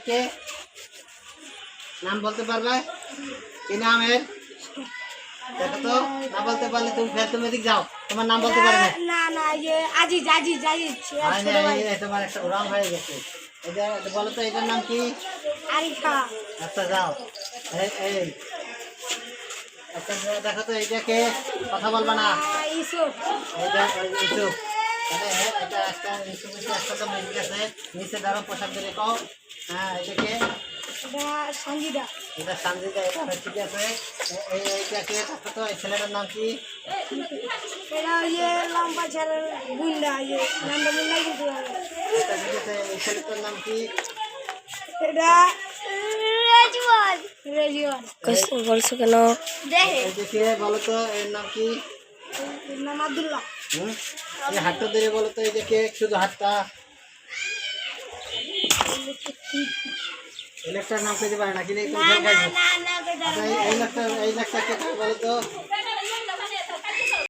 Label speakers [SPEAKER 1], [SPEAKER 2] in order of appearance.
[SPEAKER 1] কে নাম বলতে পারবে কি নাম এর দেখো তো না বলতে পারলে তুমি এদিক যাও তোমার নাম বলতে পারবে
[SPEAKER 2] না না ये আজিজ আজিজ আজিজ
[SPEAKER 1] তোমার একটা রং হয়ে গেছে এটা বলো তো এটার নাম কি
[SPEAKER 2] আরিফা
[SPEAKER 1] আচ্ছা যাও এই আচ্ছা দেখো তো এইটাকে কথা বলবা না
[SPEAKER 2] ইউসুফ
[SPEAKER 1] এইটা ইউসুফ তাহলে এটা একটা ইউসুফের একটা তো মিল আছে নিচে দাঁড়াও পোশাক ধরে কও হ্যাঁ এটাকে
[SPEAKER 2] এটা সঙ্গীতা
[SPEAKER 1] এটা সঞ্জিতা এটা ঠিক আছে এইটাকে দেখো তো এই ছেলেটার নাম কি
[SPEAKER 2] এটা লম্বা ছেলের গুন্ডা নামটা মনে নাই কিন্তু
[SPEAKER 1] এটা ঠিক আছে এই ছেলেটার নাম কি
[SPEAKER 2] এটা রেজওয়ান রেজওয়ান
[SPEAKER 3] বলছো কেন?
[SPEAKER 2] দেখে
[SPEAKER 1] এইটাকে বলো তো এর নাম কি
[SPEAKER 2] এর নাম আব্দুল্লাহ
[SPEAKER 1] এই হাতটা ধরে বলো তো এইটাকে শুধু হাতটা এই লোকটার নাম পেতে পারে না কিন্তু
[SPEAKER 2] না না না
[SPEAKER 1] এই লোকটা কে বলো তো